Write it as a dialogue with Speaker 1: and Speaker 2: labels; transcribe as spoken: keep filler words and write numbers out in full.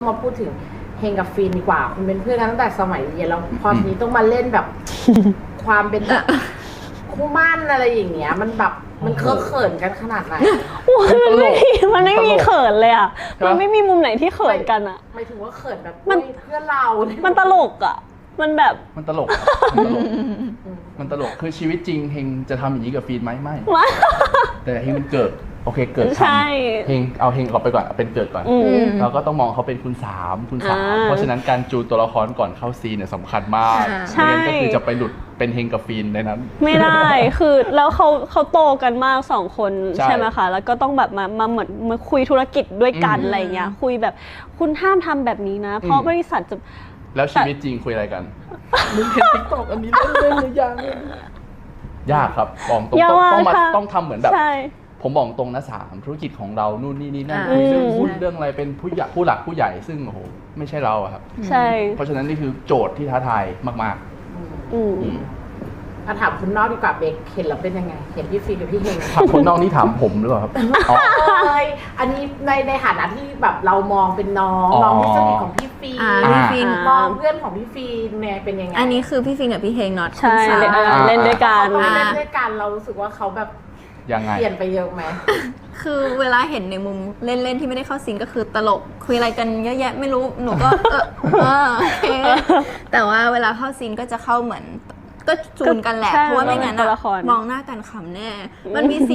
Speaker 1: มาพูดถึงเฮงกับฟินดีกว่าคุณเป็นเพื่อนกันตั้งแต่สมัยเรียนแล้วพอทีนี้ต้องมาเล่นแบบ ความเป็นแบบคู่มั่นอะไรอย่างเงี้ยมันแบบมันเคอะเขินกันขนาดไหน
Speaker 2: มันไม่มันไม่มีเขินเลยอ่ะมันไม่มีมุมไหนที่เขินกันอ่ะ
Speaker 1: ไม่ถึงว่าเขินแบบ
Speaker 2: มัน
Speaker 1: เพื่อนเรา
Speaker 2: มันตลกอ่ะมันแบบ
Speaker 3: มันตลกครับมันตลกมันตลกคือชีวิตจริงเฮงจะทำอย่างนี้กับฟีนไหมไม่แต่เฮงมันเกิดโอเคเกิดทำเฮงเอาเฮงออกไปก่อนเป็นเกิดก่อนเราก็ต้องมองเขาเป็นคุณสามคุณสามเพราะฉะนั้นการจูนตัวละครก่อนเข้าซีนเนี่ยสำคัญมากไม่งั้นก็คือจะไปหลุดเป็นเฮงกับฟีนในนั้น
Speaker 2: ไม่ได้คือแล้วเขาเขาโตกันมากสองคนใช่ไหมคะแล้วก็ต้องแบบมามาเหมือนมาคุยธุรกิจด้วยกันอะไรเงี้ยคุยแบบคุณห้ามทำแบบนี้นะเพราะบริษัทจะ
Speaker 3: แล้วชีวิตจริงคุยอะไรกันมึงเห็นติ๊กต็อกอันนี้เล่นหรือยังยากครับบอกตรงต้องมาต้องทำเหมือนแบบผมบอกตรงนะสามธุรกิจของเรานู่นนี่นี่นั่นเรื่องหุ้นเรื่องอะไรเป็นผู้ใหญ่ผู้หลักผู้ใหญ่ซึ่งโอ้โหไม่ใช่เราครับ
Speaker 2: ใช่
Speaker 3: เพราะฉะนั้นนี่คือโจทย์ที่ท้าทายมากๆอืม
Speaker 1: มาถามคุณนอกดีกว่าเบคเห็นแล้วเป็นยังไงเห็นพี่ฟีกับพี่เฮง
Speaker 3: ถามคนนอกนี่ถามผมหรือเปล่าครับ
Speaker 1: เอ้ยอันนี้ในในฐานะที่แบบเรามองเป็นน้องน้องที่สนิทของพี่ฟี
Speaker 4: พี่ฟี
Speaker 1: มองเพื่อนของพี่ฟีเนี่ยเป็นยังไง
Speaker 4: อันนี้คือพี่ฟีกับพี่เฮงน็อต
Speaker 2: ใช่เล่นด้วยกัน
Speaker 1: เล่นด้วยกันเรารู้สึกว่าเขาแบบ
Speaker 3: ยังไง
Speaker 1: เปลี่ยนไปเยอะไหม
Speaker 4: คือเวลาเห็นในมุมเล่นๆที่ไม่ได้เข้าซีนก็คือตลกคุยอะไรกันเยอะแยะไม่รู้หนูก็เออเออโอเคแต่ว่าเวลาเข้าซีนก็จะเข้าเหมือนก็จูนกันแหละเพราะว่าไม่งั้นมองหน้ากันขำแน่มันมี